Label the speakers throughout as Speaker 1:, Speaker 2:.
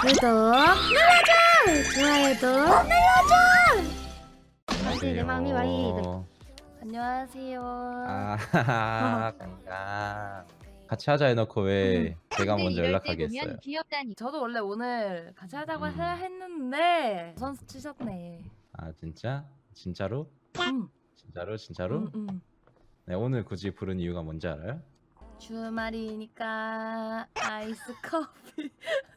Speaker 1: 구독 눌러줘! 좋아요도 눌러줘!
Speaker 2: 안녕하세요.
Speaker 1: 마음이 많이 안녕하세요.
Speaker 2: 아, 같이 하자 해놓고 왜 제가 먼저 연락하겠어요?
Speaker 3: 귀엽다니.
Speaker 1: 저도 원래 오늘 같이 하자고
Speaker 2: 음.
Speaker 1: 해야 했는데 선수 치셨네.
Speaker 2: 아 진짜? 진짜로?
Speaker 1: 응.
Speaker 2: 진짜로?
Speaker 1: 응.
Speaker 2: 네, 오늘 굳이 부른 이유가 뭔지 알아요?
Speaker 1: 주말이니까 아이스 커피.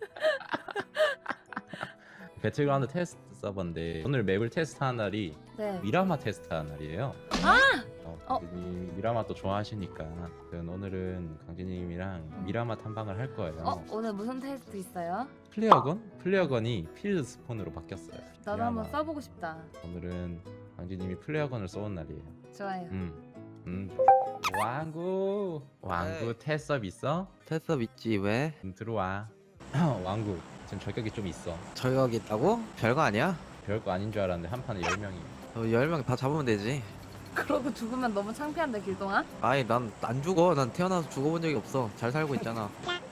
Speaker 2: 배틀그라운드 테스트 서버인데 오늘 맵을 테스트하는 날이
Speaker 1: 네.
Speaker 2: 미라마 테스트하는 날이에요.
Speaker 1: 어.
Speaker 2: 강진님 미라마 또 좋아하시니까 오늘은 강진님이랑 미라마 탐방을 할 거예요.
Speaker 1: 오늘 무슨 테스트 있어요?
Speaker 2: 플레어건이 필드 스폰으로 바뀌었어요.
Speaker 1: 나도
Speaker 2: 미라마.
Speaker 1: 한번 써보고 싶다.
Speaker 2: 오늘은 강진님이 플레어건을 쏘는 날이에요.
Speaker 1: 좋아요.
Speaker 2: 왕구
Speaker 4: 네.
Speaker 2: 테스업 있어?
Speaker 4: 테스업 있지 왜?
Speaker 2: 들어와. 왕구 지금 저격이 좀 있어.
Speaker 4: 저격 있다고? 별거 아니야?
Speaker 2: 별거 아닌 줄 알았는데 한 판에 10명이.
Speaker 4: 10명 다 잡으면 되지.
Speaker 1: 그러고 죽으면 너무 창피한데 길동아?
Speaker 4: 아이 난 안 죽어. 난 태어나서 죽어본 적이 없어. 잘 살고 있잖아.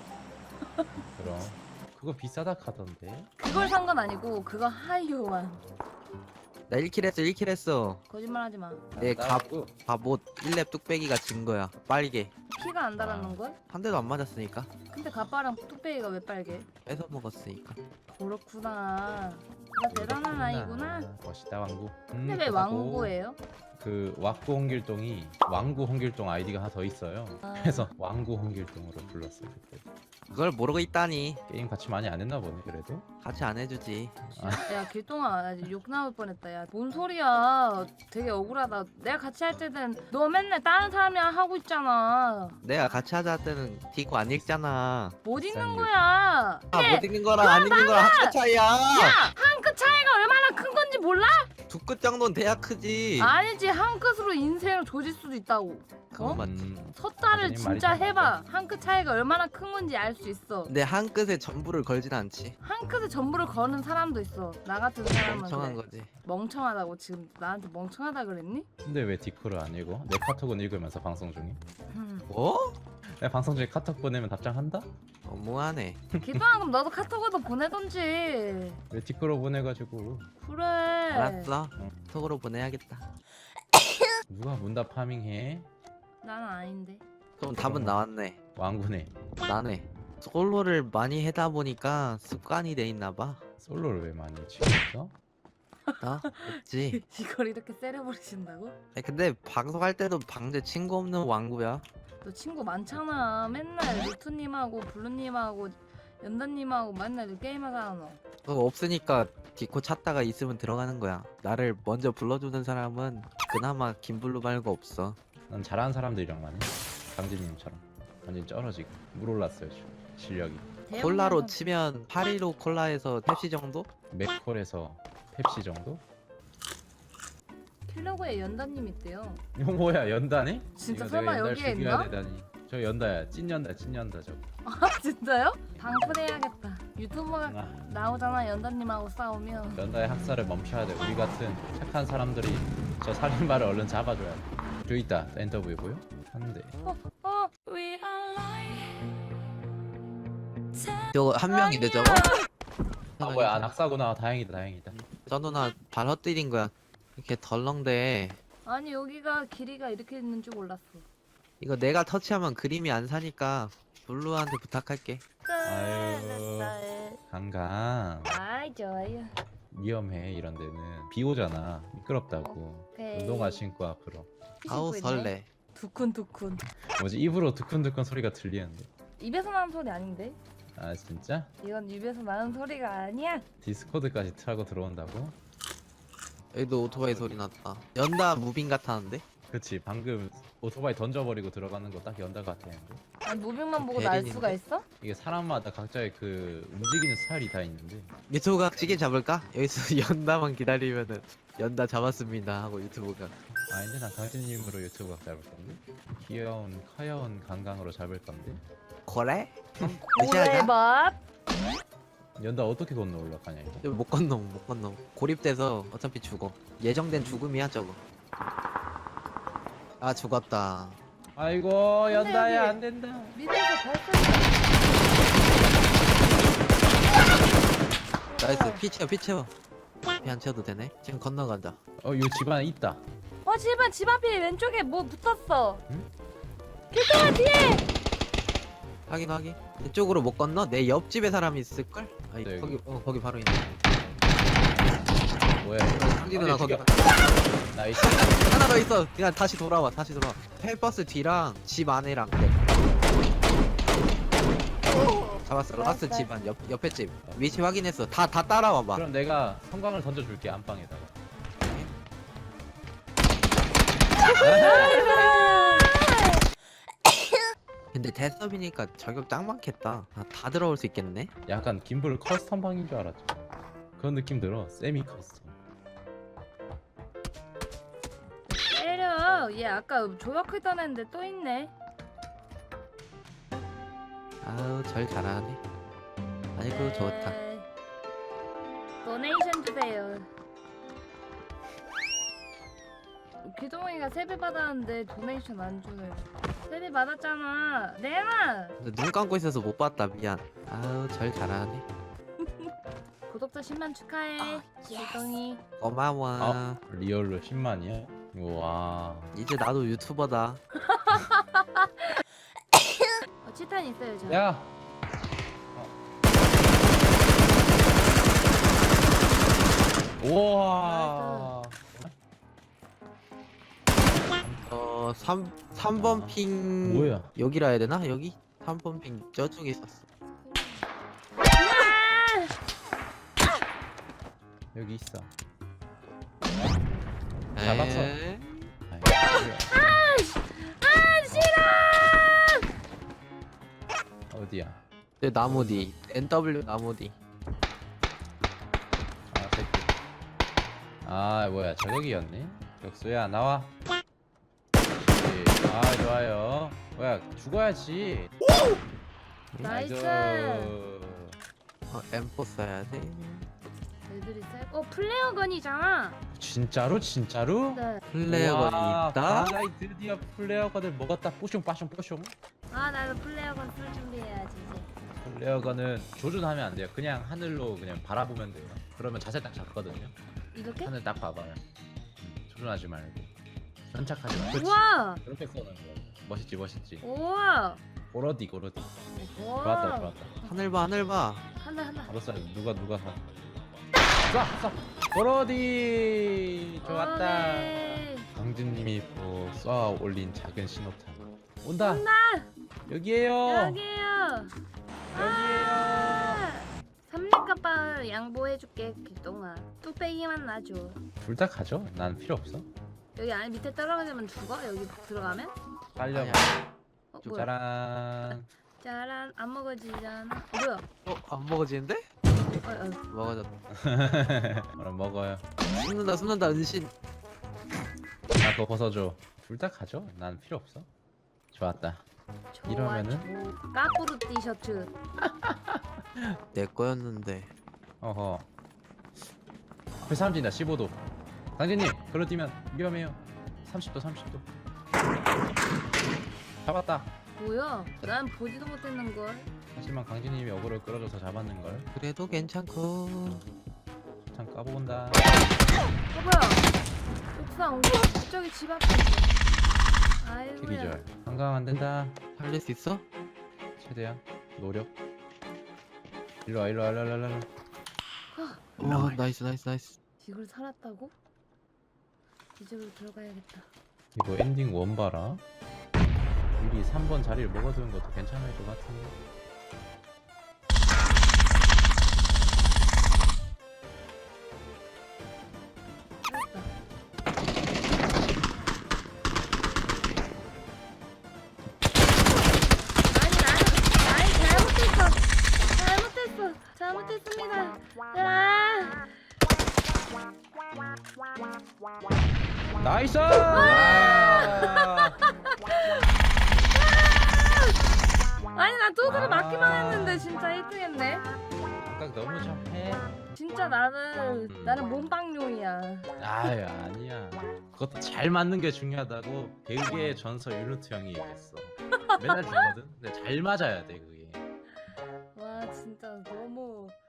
Speaker 2: 그럼 그거 비싸다 카던데.
Speaker 1: 그걸 산 건 아니고 그거 하이오만.
Speaker 4: 나 1킬 했어.
Speaker 1: 거짓말하지 마.
Speaker 4: 내 갑옷 1렙 뚝배기가 진 거야. 빨개.
Speaker 1: 피가 안 달았는 걸?
Speaker 4: 한 대도 안 맞았으니까.
Speaker 1: 근데 가빠랑 뚝배기가 왜 빨개?
Speaker 4: 뺏어 먹었으니까.
Speaker 1: 그렇구나. 진짜 대단한 아이구나.
Speaker 2: 멋있다 왕구.
Speaker 1: 근데 왜
Speaker 2: 그리고
Speaker 1: 왕구예요?
Speaker 2: 그 왁구 홍길동이 왕구 홍길동 아이디가 하나 더 있어요.
Speaker 1: 아.
Speaker 2: 그래서 왕구 홍길동으로 불렀어요 그때.
Speaker 4: 그걸 모르고 있다니.
Speaker 2: 게임 같이 많이 안 했나 보네 그래도.
Speaker 4: 같이 안 해주지.
Speaker 1: 야 길동아 나 욕 나올 뻔했다. 야 뭔 소리야? 되게 억울하다. 내가 같이 할 때는 너 맨날 다른 사람이랑 하고 있잖아.
Speaker 4: 내가 같이 하자 할 때는 디고 안 읽잖아.
Speaker 1: 못 읽는
Speaker 2: 비싼
Speaker 1: 거야.
Speaker 4: 못 읽는 거랑 안 읽는 거랑 학교 차이야.
Speaker 1: 야! 한 끗 차이가 얼마나 큰 건지 몰라?
Speaker 4: 두 끝 정도는 돼야 크지.
Speaker 1: 아니지 한 끗으로 인생을 조질 수도 있다고.
Speaker 4: 그건 맞지.
Speaker 1: 섰다를
Speaker 2: 선생님 말이
Speaker 1: 진짜
Speaker 2: 좀
Speaker 1: 해봐. 한 끗 차이가 얼마나 큰 건지 알 수 있어.
Speaker 4: 근데 한 끝에 전부를 걸진 않지.
Speaker 1: 한 끗에 전부를 거는 사람도 있어. 나 같은 사람은
Speaker 4: 멍청한
Speaker 1: 그래.
Speaker 4: 거지.
Speaker 1: 멍청하다고 지금 나한테 멍청하다 그랬니?
Speaker 2: 근데 왜 디코를 안 읽어? 내 카톡은 읽으면서 방송 중에.
Speaker 4: 뭐?
Speaker 2: 내 방송 중에 카톡 보내면 답장한다?
Speaker 4: 너무하네.
Speaker 1: 기도한 그럼 너도 카톡으로 보내던지.
Speaker 2: 왜 디코로 보내가지고.
Speaker 1: 그래.
Speaker 4: 알았어. 톡으로 보내야겠다.
Speaker 2: 누가 문답 파밍해?
Speaker 1: 나는 아닌데.
Speaker 4: 그럼 답은 나왔네.
Speaker 2: 왕구네.
Speaker 4: 나네. 솔로를 많이 해다 보니까 습관이 돼 있나 봐.
Speaker 2: 솔로를 왜 많이 치고
Speaker 4: 나? 없지.
Speaker 1: 이걸 이렇게 세려버리신다고?
Speaker 4: 아니, 근데 방송할 때도 방제 친구 없는 왕구야.
Speaker 1: 너 친구 많잖아. 맨날 루트님하고 블루님하고 연다님하고 맨날 게임하잖아 너.
Speaker 4: 그거 없으니까 디코 찾다가 있으면 들어가는 거야. 나를 먼저 불러주는 사람은 그나마 김블루 말고 없어.
Speaker 2: 난 잘하는 사람들이랑만 해. 강진님처럼 완전 쩔어지고 물 올랐어요 지금 실력이.
Speaker 4: 콜라로 치면 815 콜라에서 펩시 정도?
Speaker 2: 맥콜에서 펩시 정도?
Speaker 1: 킬러그에 연다님 있대요.
Speaker 2: 이거 뭐야 연다네?
Speaker 1: 진짜
Speaker 2: 이거
Speaker 1: 설마
Speaker 2: 내가 옛날
Speaker 1: 여기에
Speaker 2: 죽여야
Speaker 1: 있나?
Speaker 2: 되다니. 저 연다야 찐연다 저거.
Speaker 1: 아 진짜요? 방풀해야겠다. 유튜버가
Speaker 2: 아,
Speaker 1: 나오잖아 연다님하고 싸우면.
Speaker 2: 연다의 학살을 멈춰야 돼. 우리 같은 착한 사람들이 저 살인마를 얼른 잡아줘야 돼. 저기 있다. 엔터뷰 보여? 한 대.
Speaker 1: We are
Speaker 4: 저거 한 명인데 저거?
Speaker 2: 아 뭐야 낙사구나. 다행이다.
Speaker 4: 저 누나 발 헛디딘 거야. 이렇게 덜렁대.
Speaker 1: 아니 여기가 길이가 이렇게 있는 줄 몰랐어.
Speaker 4: 이거 내가 터치하면 그림이 안 사니까 블루한테 부탁할게.
Speaker 2: 아유. 강강
Speaker 1: 아이 좋아요.
Speaker 2: 위험해 이런 데는 비 오잖아. 미끄럽다고.
Speaker 1: 오케이.
Speaker 2: 운동화 신고 앞으로.
Speaker 4: 아우
Speaker 1: 신고 있네.
Speaker 4: 설레.
Speaker 1: 두근두근.
Speaker 2: 뭐지 입으로 두근두근 소리가 들리는데.
Speaker 1: 입에서 나는 소리 아닌데?
Speaker 2: 아 진짜?
Speaker 1: 이건 입에서 나는 소리가 아니야.
Speaker 2: 디스코드까지 타고 들어온다고?
Speaker 4: 여기도 오토바이 소리 났다. 연다 무빙 같았는데?
Speaker 2: 그치 방금 오토바이 던져버리고 들어가는 거 딱 연다 같았는데.
Speaker 1: 아니 무빙만 보고 날
Speaker 4: 대리인데?
Speaker 1: 수가 있어?
Speaker 2: 이게 사람마다 각자의 그 움직이는 스타일이 다 있는데.
Speaker 4: 유튜브가 찌개 잡을까? 여기서 연다만 기다리면은 연다 잡았습니다 하고 유튜브가.
Speaker 2: 아닌데 난 강진님으로 유튜브 각 잡을 건데. 귀여운 커여운 강강으로 잡을 건데.
Speaker 4: 그래? 무시하자.
Speaker 1: 고래밥.
Speaker 2: 연다 어떻게 건너 올라가냐 이거.
Speaker 4: 이거 못 건너. 고립돼서 어차피 죽어. 예정된 죽음이야 저거. 아 죽었다.
Speaker 2: 아이고
Speaker 1: 근데
Speaker 2: 연다야
Speaker 1: 여기-
Speaker 2: 안 된다.
Speaker 1: 밑에서 발소리.
Speaker 4: 나이스. 피 채워. 피 안 채워도 되네. 지금 건너간다.
Speaker 2: 요 집안에 있다.
Speaker 1: 집 앞에 왼쪽에 뭐 붙었어.
Speaker 2: 응?
Speaker 1: 길동아 뒤에.
Speaker 4: 확인. 이쪽으로 못 건너? 내 옆집에 사람이 있을걸? 아니
Speaker 2: 네,
Speaker 4: 거기 바로 있네.
Speaker 2: 뭐야?
Speaker 4: 상진 누나 거기
Speaker 2: 나이스.
Speaker 4: 하나 더 있어. 그냥 다시 돌아와. 헬버스 뒤랑 집 안에랑 네. 잡았어. 라스트
Speaker 1: 나이스.
Speaker 4: 집안 옆에 집 위치 확인했어. 다 따라와봐.
Speaker 2: 그럼 내가 성광을 던져줄게 안방에다가.
Speaker 4: 근데 대섭이니까 저격 짱 많겠다. 다 들어올 수 있겠네.
Speaker 2: 약간 김불 커스텀 방인 줄 알았죠. 그런 느낌 들어. 세미 커스텀.
Speaker 1: 때려. 얘 아까 조약했던 애인데 또 있네.
Speaker 4: 아우 절 잘하네. 아이고 좋다.
Speaker 1: 에이. 도네이션 주세요. 기동이가 세배 받았는데 도네이션 안 주네요. 세배 받았잖아. 내놔.
Speaker 4: 근데 눈 감고 있어서 못 봤다. 미안. 아우 절 잘하네.
Speaker 1: 구독자 10만 축하해. 기동이.
Speaker 4: 고마워.
Speaker 2: 리얼로 10만이야? 우와.
Speaker 4: 이제 나도 유튜버다.
Speaker 1: 치탄 있어요 저.
Speaker 2: 야. 우와.
Speaker 4: 3번 핑
Speaker 2: 뭐야?
Speaker 4: 여기라 해야 되나? 여기? 3번 핑 저쪽에 있었어.
Speaker 2: 여기 있어.
Speaker 4: 잡았어.
Speaker 2: 어디야?
Speaker 4: 내 나무 뒤. NW 나무 뒤.
Speaker 2: 새끼. 뭐야 저격이었네. 격수야 나와. 좋아요. 뭐야 죽어야지.
Speaker 1: 나이스.
Speaker 4: M4 써야 돼.
Speaker 1: 애들이 세. 플레어건이잖아.
Speaker 2: 진짜로?
Speaker 1: 네.
Speaker 4: 플레어건이 있다.
Speaker 2: 나이 드디어 플레어건을 먹었다. 뽀숑.
Speaker 1: 나도 플레어건 쓸 준비해야지 이제.
Speaker 2: 플레어건은 조준하면 안 돼요. 그냥 하늘로 그냥 바라보면 돼요. 그러면 자세 딱 잡거든요.
Speaker 1: 이렇게?
Speaker 2: 하늘 딱 봐봐요. 조준하지 말고 선착하지 말고. 그렇지.
Speaker 1: 우와.
Speaker 2: 그렇게 쏘는 거. 멋있지.
Speaker 1: 우와.
Speaker 2: 고러디.
Speaker 1: 우와.
Speaker 2: 좋았다.
Speaker 4: 하늘 봐.
Speaker 1: 한다.
Speaker 2: 바로 쏴. 누가 쏴. 고러디. 좋았다.
Speaker 1: 네.
Speaker 2: 강진님이 쏴 올린 작은 신호탄. 온다. 여기에요.
Speaker 1: 여기에요. 삼립가빠 양보해줄게 기동아. 뚝배기만 놔줘.
Speaker 2: 둘 다 가죠? 난 필요 없어.
Speaker 1: 여기 안에 밑에 떨어지면 죽어? 여기 들어가면?
Speaker 2: 빨려.
Speaker 4: 아니야.
Speaker 1: 뭐야?
Speaker 2: 짜란.
Speaker 1: 짜란 안 먹어지잖아. 뭐야?
Speaker 4: 안 먹어지는데? 먹어졌다.
Speaker 2: 그럼 먹어요.
Speaker 4: 숨는다 은신.
Speaker 2: 그거 벗어줘. 둘 다 가죠? 난 필요 없어. 좋았다. 이러면은?
Speaker 1: 까꾸루 티셔츠.
Speaker 4: 내 거였는데.
Speaker 2: 어허. 앞에 사람 진다. 15도. 강진님, 그로 뛰면 위험해요. 30도. 잡았다.
Speaker 1: 뭐야? 난 보지도 못했는걸.
Speaker 2: 하지만 강진님이 어그를 끌어줘서 잡았는걸.
Speaker 4: 그래도 괜찮고.
Speaker 2: 참 까보온다.
Speaker 1: 뭐야? 옥상 저기 집 앞에. 아이고야.
Speaker 2: 기절. 한강 안 된다.
Speaker 4: 살릴 수 있어?
Speaker 2: 최대한 노력. 일로와.
Speaker 4: 와 나이스.
Speaker 1: 이걸 살았다고? 이쪽으로 들어가야겠다.
Speaker 2: 이거 엔딩 원 봐라. 미리 3번 자리를 먹어두는 것도 괜찮을 것 같은데.
Speaker 1: 잘못했습니다.
Speaker 2: 나이스!
Speaker 1: 아니 나 두드려 맞기만 했는데 진짜 1등했네.
Speaker 2: 생각 너무 참해.
Speaker 1: 진짜 나는 몸빵용이야.
Speaker 2: 아니야. 그것도 잘 맞는 게 중요하다고 배우계의 전설 율루트 형이 얘기했어. 맨날 주거든. 근데 잘 맞아야 돼 그게.
Speaker 1: 와 진짜 너무